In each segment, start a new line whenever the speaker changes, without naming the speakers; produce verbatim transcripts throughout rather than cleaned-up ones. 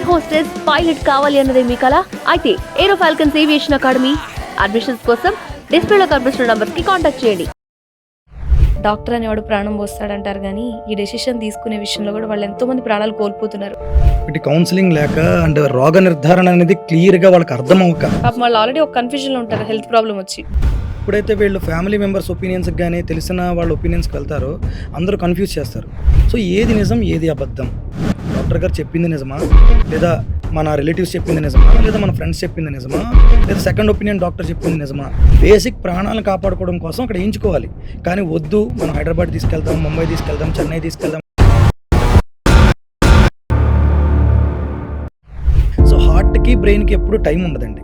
Air hostess pilot కావాలి అన్నదే మీ కల అయితే Aero Falcons Aviation Academy admissions కోసం డిస్ప్లేలో కనిపిస్తున్న నంబర్స్ కి కాంటాక్ట్ చేయండి. డాక్టర్ అనేవాడు ప్రాణం పోస్తాడంటారు కానీ ఈ డెసిషన్ తీసుకునే విషయంలో కూడా వాళ్ళు ఎంతో మంది ప్రాణాలు కోల్పోతున్నారు.
ఇటు కౌన్సిలింగ్ లేక అండ్ రోగ నిర్ధారణ అనేది క్లియర్ గా వాళ్ళకి అర్థం అవ్వక
పాపం వాళ్ళు ఆల్రెడీ ఒక కన్ఫ్యూజన్ లో ఉంటారు హెల్త్ ప్రాబ్లం వచ్చి.
ఇప్పుడైతే వీళ్ళు ఫ్యామిలీ మెంబర్స్ ఒపీనియన్స్కి కానీ తెలిసిన వాళ్ళ ఒపీనియన్స్కి వెళ్తారో అందరూ కన్ఫ్యూజ్ చేస్తారు. సో ఏది నిజం ఏది అబద్ధం, డాక్టర్ గారు చెప్పింది నిజమా లేదా మన రిలేటివ్స్ చెప్పింది నిజమా లేదా మన ఫ్రెండ్స్ చెప్పింది నిజమా లేదా సెకండ్ ఒపీనియన్ డాక్టర్ చెప్పింది నిజమా? బేసిక్ ప్రాణాలను కాపాడుకోవడం కోసం అక్కడ ఎంచుకోవాలి. కానీ వద్దు మనం హైదరాబాద్ తీసుకెళ్తాం, ముంబై తీసుకెళ్తాం, చెన్నై తీసుకెళ్తాం. సో హార్ట్కి బ్రెయిన్కి ఎప్పుడు టైం ఉండదండి.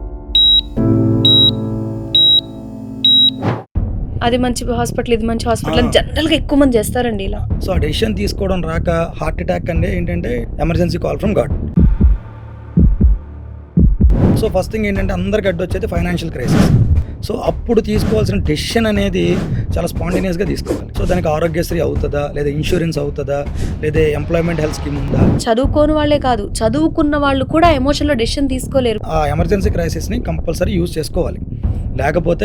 అది మంచి హాస్పిటల్ ఇది మంచి హాస్పిటల్ అని జనరల్గా ఎక్కువ మంది చేస్తారండి ఇలా.
సో ఆ డెసిషన్ తీసుకోవడం రాక హార్ట్ అటాక్ అంటే ఏంటంటే emergency call from God. So first thing ఏంటంటే అందరికి అడ్డు వచ్చేది ఫైనాన్షియల్ క్రైసిస్. సో అప్పుడు తీసుకోవాల్సిన డెసిషన్ అనేది చాలా స్పాంటేనియస్గా తీసుకోవాలి. సో దానికి ఆరోగ్యశ్రీ అవుతుందా లేదా ఇన్సూరెన్స్ అవుతుందా లేదా ఎంప్లాయ్మెంట్ హెల్త్ స్కీమ్ ఉందా?
చదువుకోని వాళ్ళే కాదు చదువుకున్న వాళ్ళు కూడా ఎమోషనల్ డెసిషన్ తీసుకోలేరు.
ఆ ఎమర్జెన్సీ క్రైసిస్ని కంపల్సరీ యూజ్ చేసుకోవాలి. లేకపోతే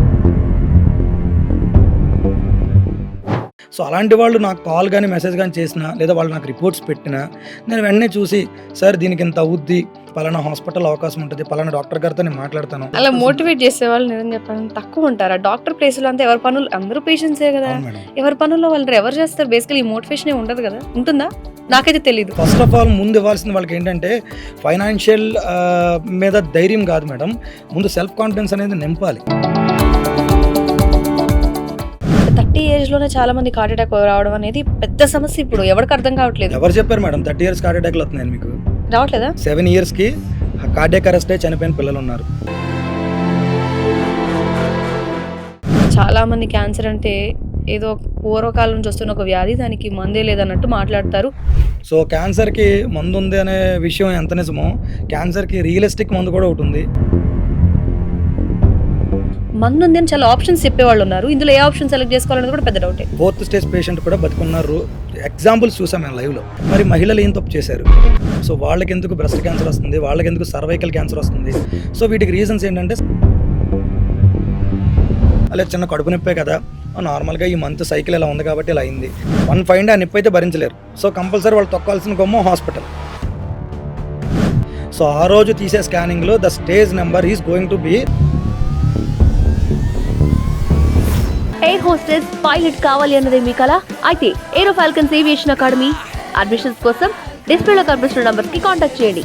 సో అలాంటి వాళ్ళు నాకు కాల్ కానీ మెసేజ్ కానీ చేసినా లేదా వాళ్ళు నాకు రిపోర్ట్స్ పెట్టినా నేను వెంటనే చూసి సార్ దీనికి ఇంత అవుద్ది, పలానా హాస్పిటల్ అవకాశం ఉంటుంది, పలానా డాక్టర్ గారితో నేను మాట్లాడతాను.
అలా మోటివేట్ చేసే వాళ్ళు నిజం చెప్పాలని తక్కువ ఉంటారు. డాక్టర్ ప్లేస్లో అంతా ఎవరి పనులు అందరూ పేషెంట్సే కదా, ఎవరి పనుల్లో వాళ్ళు ఎవరు చేస్తారు. బేసికలీ ఈ మోటివేషన్ ఉండదు కదా, ఉంటుందా నాకైతే తెలియదు.
ఫస్ట్ ఆఫ్ ఆల్ ముందు ఇవ్వాల్సింది వాళ్ళకి ఏంటంటే ఫైనాన్షియల్ మీద ధైర్యం కాదు మేడం, ముందు సెల్ఫ్ కాన్ఫిడెన్స్ అనేది నింపాలి.
థర్టీ ఏజ్ లోనే చాలా మంది హార్ట్ అటాక్ రావడం అనేది పెద్ద సమస్య. ఇప్పుడు ఎవరికి అర్థం కావట్లేదు.
ఎవరు చెప్పారు మేడం థర్టీ ఇయర్స్ హార్ట్ అటాక్లు వస్తున్నాయి మీకు?
రావట్లేదా?
సెవెన్ ఇయర్స్ కి కార్డియాక్ అరెస్ట్ అయి చనిపోయిన పిల్లలు ఉన్నారు.
చాలా మంది క్యాన్సర్ అంటే ఏదో పూర్వకాలం నుంచి వస్తున్న ఒక వ్యాధి, దానికి మందే లేదన్నట్టు మాట్లాడతారు.
సో క్యాన్సర్కి మందు ఉంది అనే విషయం ఎంత నిజమో క్యాన్సర్కి రియలిస్టిక్ మందు కూడా ఒకటి ఉంది.
మందు ఉంది అని చాలా ఆప్షన్స్ చెప్పేవాళ్ళు ఉన్నారు. ఇందులో ఏ ఆప్షన్ సెలెక్ట్ చేసుకోవాలనేది కూడా పెద్ద డౌటే.
ఫోర్త్ స్టేజ్ పేషెంట్ కూడా బతుకున్నారు, ఎగ్జాంపుల్స్ చూసాం మేము లైవ్లో. మరి మహిళలు ఏం తప్పు చేశారు? సో వాళ్ళకి ఎందుకు బ్రెస్ట్ క్యాన్సర్ వస్తుంది, వాళ్ళకి ఎందుకు సర్వైకల్ క్యాన్సర్ వస్తుంది? సో వీటికి రీజన్స్ ఏంటంటే అలా చిన్న కడుపు నొప్పే కదా, నార్మల్గా ఈ మంత్ సైకిల్ ఇలా ఉంది కాబట్టి ఇలా అయింది. వన్ ఫైవ్ ఆ నొప్పి అయితే భరించలేరు. సో కంపల్సరీ వాళ్ళు తొక్కాల్సిన గొమ్మ హాస్పిటల్. సో ఆ రోజు తీసే స్కానింగ్లో the stage number is going to be
air hostess pilot కావాలి అన్నదే మీ కల అయితే Aero Falcons Aviation Academy admissions కోసం డిస్ప్లేలో కనిపిస్తున్న నంబర్స్ కి కాంటాక్ట్ చేయండి.